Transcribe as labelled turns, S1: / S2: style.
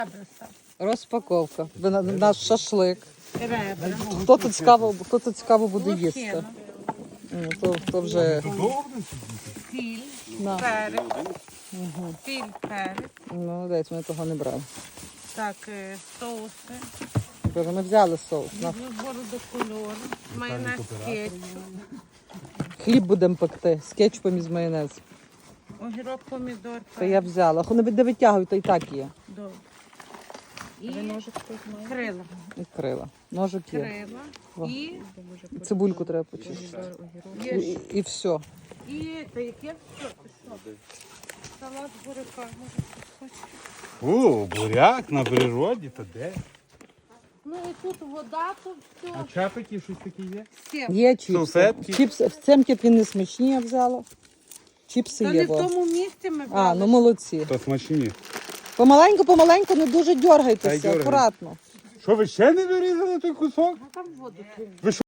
S1: Розпаковка. Наш шашлик.
S2: Ребра.
S1: Хто тут цікаво буде їсти? То вже
S2: Сіль,
S1: на.
S2: перець. Сіль, перець.
S1: Ну, десь ми того не брали.
S2: Так, соуси.
S1: Боже, ми взяли соус. На.
S2: Збору до кольору. Майонез кетчуп.
S1: Хліб будемо пекти з кетчупом і з майонезом.
S2: Огірок, помідор.
S1: Та я взяла. Не витягуй, то і так є.
S2: Добре. І крила.
S1: І крила. Ножик є.
S2: Крила.
S1: О.
S2: І
S1: Цибульку треба почистити.
S2: є
S1: І все.
S2: І та яке? Що? Салат з буряка. Може, хтось хоче?
S3: О, буряк на природі, то де?
S2: Ну і тут вода, то все.
S3: А чапики щось таке є?
S2: Сім.
S1: Є чіпси.
S3: Салфетки.
S1: Чіпси. В цемки він не смачні, я взяла. Чіпси
S2: Та
S1: є.
S2: не в
S1: Во.
S2: тому місці ми
S1: А,
S2: брали.
S1: ну молодці.
S3: То смачні.
S1: Помаленьку, не дуже
S3: Та й
S1: дергайтеся,
S3: дергай.
S1: акуратно.
S3: Що, ви ще не вирізали той кусок?
S2: А там воду.
S3: Ви що,